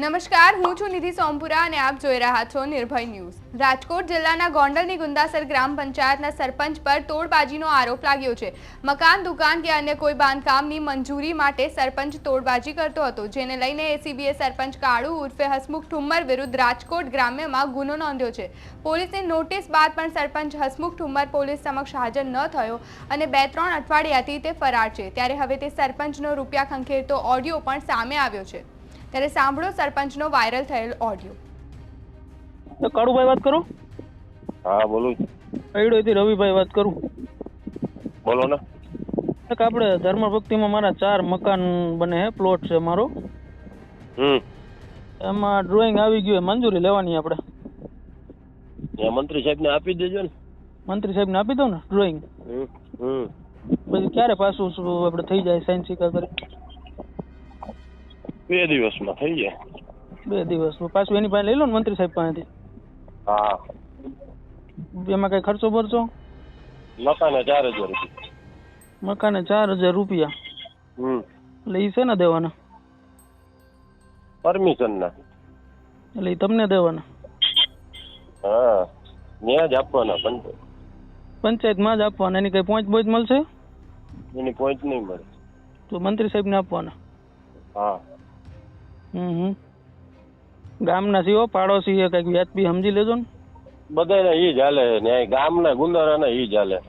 નમસ્કાર, હું છું નિધિ સોમપુરા અને આપ જોઈ રહ્યા છો નિર્ભય ન્યૂઝ। રાજકોટ જિલ્લાના ગોંડલની ગુંદાસર ગ્રામ પંચાયતના સરપંચ પર તોડબાજીનો આરોપ લાગ્યો છે। મકાન, દુકાન કે અન્ય કોઈ બાંધકામની મંજૂરી માટે સરપંચ તોડબાજી કરતો હતો, જેને લઈને એસીબીએ સરપંચ કાળુ ઉર્ફે હસમુખ ઠુમ્મર વિરુદ્ધ રાજકોટ ગ્રામ્યમાં ગુનો નોંધ્યો છે। પોલીસની નોટિસ બાદ પણ સરપંચ હસમુખ ઠુમ્મર પોલીસ સમક્ષ હાજર ન થયો અને 2-3 અઠવાડિયાથી તે ફરાર છે। ત્યારે હવે તે સરપંચનો રૂપિયા ખંખેરતો ઓડિયો પણ સામે આવ્યો છે। ત્યારે સાંભળો સરપંચનો વાયરલ થયેલ ઓડિયો। તો કાળુભાઈ વાત કરો। હા બોલું। અઈડોથી રવિભાઈ વાત કરું। બોલો ને। એક આપણે ધર્મભક્તિમાં મારા 4 મકાન બને છે, પ્લોટ છે મારો। એમાં ડ્રોઈંગ આવી ગયું, મંજૂરી લેવાની આપણે। મંત્રી સાહેબને આપી દેજો ને। મંત્રી સાહેબને આપી દો ને ડ્રોઈંગ। પછી ક્યારે પાછું આપણે થઈ જાય સાઈન સિક્કા કરી? 2 દિવસમાં થઈ જાય। 2 દિવસ પાછું એની પાસે લઈ લો ને મંત્રી સાહેબ પાસેથી। હા। એમાં કઈ ખર્ચો ભરશો? મકાને 4000 રૂપિયા। મકાને 4000 રૂપિયા? એટલે એ છે ને દેવાના? પરમિશન ના। એટલે એ તમને દેવાના? હા, ત્યાં જ આપવાના। પંચાયતમાં જ આપવાના? એની કઈ પોઈન્ટ બોઈન્ટ મળશે? એની પોઈન્ટ નહીં મળે। તો મંત્રી સાહેબને આપવાના? હા। ગામના સીઓ પાડોશી કઈક વ્યાજબી સમજી લેજો ને। બધાને ઈ જ હાલે ને, ગામના ગુંદારાને ઈ જ હાલે।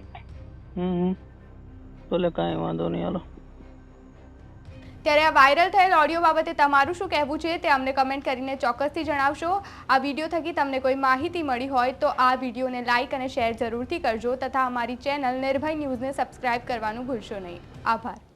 તો લે કાંઈ વાંધો નહીં, હાલો। ત્યારે આ વાયરલ થયેલ ઓડિયો બાબતે તમારું શું કહેવું છે તે અમને કમેન્ટ કરીને ચોક્કસથી જણાવશો। આ વિડીયો થકી તમને કોઈ માહિતી મળી હોય તો આ વિડીયોને લાઇક અને શેર જરૂરથી કરજો તથા અમારી ચેનલ નિર્ભય ન્યૂઝને સબસ્ક્રાઇબ કરવાનું ભૂલશો નહીં। આભાર।